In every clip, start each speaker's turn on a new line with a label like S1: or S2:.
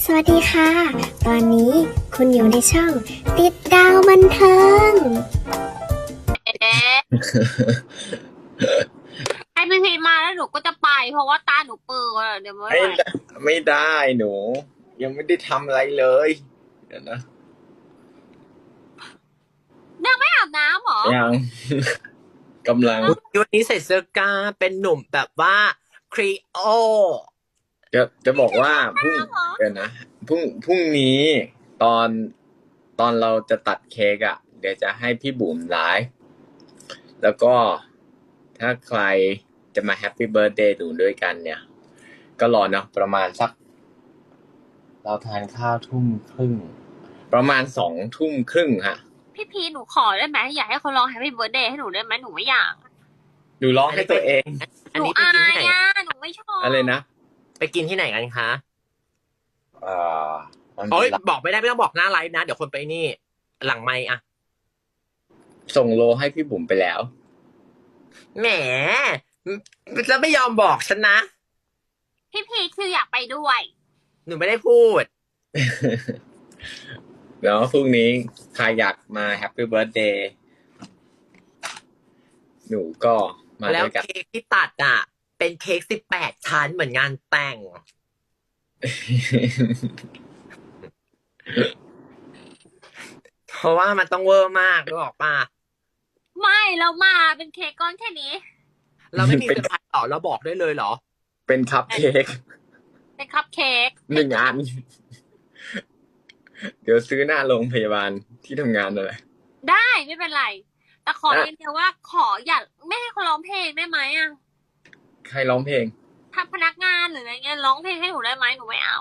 S1: สวัสดีค่ะ ตอนนี้คุณอยู่ในช่องติดดาวบันเทิง
S2: ให้พี่พีมาแล้วหนูก็จะไปเพราะว่าตาหนูเปิดเดี๋ยวไม่
S3: ไม่
S2: ไหว
S3: ได้ไม่ได้หนู ยังไม่ได้ทำอะไรเลยเดี๋ยวนะ
S2: ยังไม่อาบน้ำเหรอ
S3: ยัง กำลัง
S4: วันนี้ใส่เสื้อกล้ามเป็นหนุ่มแบบว่าครีโอ
S3: จะบอกว่าพรุ่งเดี๋ยวนะพรุ่งนี้ตอนเราจะตัดเค้กอ่ะ เดี๋ยวจะให้พี่บุ๋มไลฟ์แล้วก็ถ้าใครจะมาแฮปปี้เบิร์ดเดย์หนูด้วยกันเนี่ย ก็รอเนาะประมาณสัก เราทานข้าวทุ่ม ประมาณ2 ทุ่มครึ่งฮะ
S2: พี่พีหนูขอได้ไหมอยากให้เขาร้อง Happy Birthday ให้หนูได้ไหมหนูไม่อยาก
S3: หนูร้องให้ตัวเอง
S2: หนู
S4: อันนี้ไป
S2: อา
S4: กินที่
S2: ย
S4: ไหน
S2: อ่ะหนูไม่ชอบ
S3: อะไรนะ
S4: ไปกินที่ไหนกันคะ
S3: มัน
S4: โอ้ยบอกไม่ได้ไม่ต้องบอกหน้าไลฟ์นะ เดี๋ยวคนไปนี่ หลังไมค์อะ
S3: ส่งโลให้พี่บุ๋มไปแล้ว
S4: แหมแล้วไม่ยอมบอกฉันนะ
S2: พี่พีคืออยากไปด้วย
S4: หนูไม่ได้พูด
S3: แล้วพรุ่งนี้ใครอยากมาแฮปปี้เบิร์ a เดย์หนูก็มา
S4: แล้ว
S3: ด้วยกัน
S4: เค้กที่ตัดอะเป็นเค้ก18 ชั้นเหมือนงานแต่ง เพราะว่ามันต้องเวอร์มากรู้บอกป่ะ
S2: ไม่เรามาเป็นเค้กก้อนแค่นี้
S4: เราไม่มีเซอร์ไพรส์หรอเราบอกได้เลยเหรอ
S3: เป็นคัพเค้ก
S2: เป็นคัพเค้ก
S3: 1 อัน เดี๋ยวซื้อหน้าโรงพยาบาลที่ทำงานนั่นแหละ
S2: ได้ไม่เป็นไร แต่ขอ
S3: ได้
S2: อย่างเดียวว่าขออย่าไม่ให้เขาร้องเพลงได้ไหมอ่ะ
S3: ใครร้องเพลง
S2: ถ้าพนักงานหรืออะไรเงี้ยร้องเพลงให้หนูได้ไหมหนูไม่เอา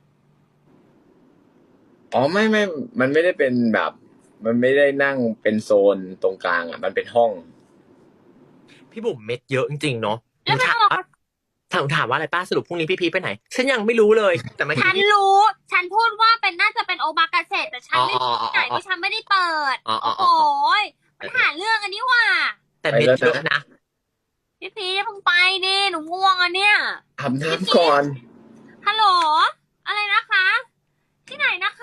S3: อ๋อไม่ มันไม่ได้เป็นแบบ มันไม่ได้นั่งเป็นโซนตรงกลางอ่ะ มันเป็นห้อง
S4: พี่บุ๋มเม็ดเยอะจริงๆเนาะ
S2: แล้วไม่
S4: ถาม
S2: เอา
S4: ว่าถามว่าอะไรป้าสรุปพรุ่งนี้พี่พีชไปไหน ฉันยังไม่รู้เลย แต่เมื่อ
S2: ฉั
S4: กี้
S2: นรู้ ฉันพูดว่าเป็นน่าจะเป็นโอบากาเสะแต่ฉันไม่รู้ที่ไหนเพราะฉันไม่ได้เปิด โอ้โหมันหาเรื่องอันนี้ว่ะ
S4: แต่เม็ดเยอะนะ
S2: พี่พีชเพิ่งไปดิหนูง่วงอ่ะเนี่ย
S3: อาบน้ำก่อน
S2: ฮัลโหล อะไรนะคะ ที่ไหนนะคะ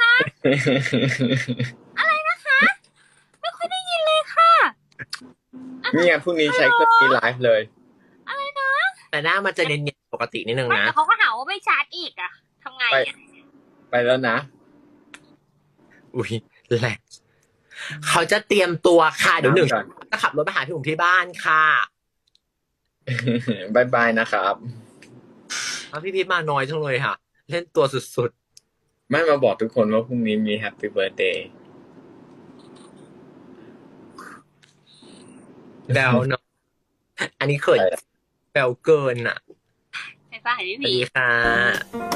S2: ไม่ค่อยได้ยินเลยค่ะ
S3: เนี่ยพรุ่งนี้ใช้เครื่องนี้ไลฟ์เลย
S4: แต่หน้ามันจะเนียนๆปกตินิดนึง
S2: ไม่
S4: นะ
S2: แต่เขาก็หาว่าไม่ชาร์จอีกอะทำไงอะ
S3: ไปแล้วนะ
S4: อุ้ยแหละเขาจะเตรียมตัวค่ะเดี๋ยวหนึ่ง
S3: ก่อน
S4: จะขับรถไปหาพี่บุ๋มที่บ้านค่ะ
S3: บายบายนะครับ
S4: แล้วพี่พีชมาน้อยจังเลยค่ะ เล่นตัวสุด
S3: ไม่มาบอกทุกคนว่าพรุ่งนี้มีแฮปปี้เบิร์ a เดย์
S4: ๆแบลเนาะอันนี้เขินแบลเกินอ่ะ
S2: ไปป่ะพี่
S4: สวัส
S2: พี
S4: ดีค่ะ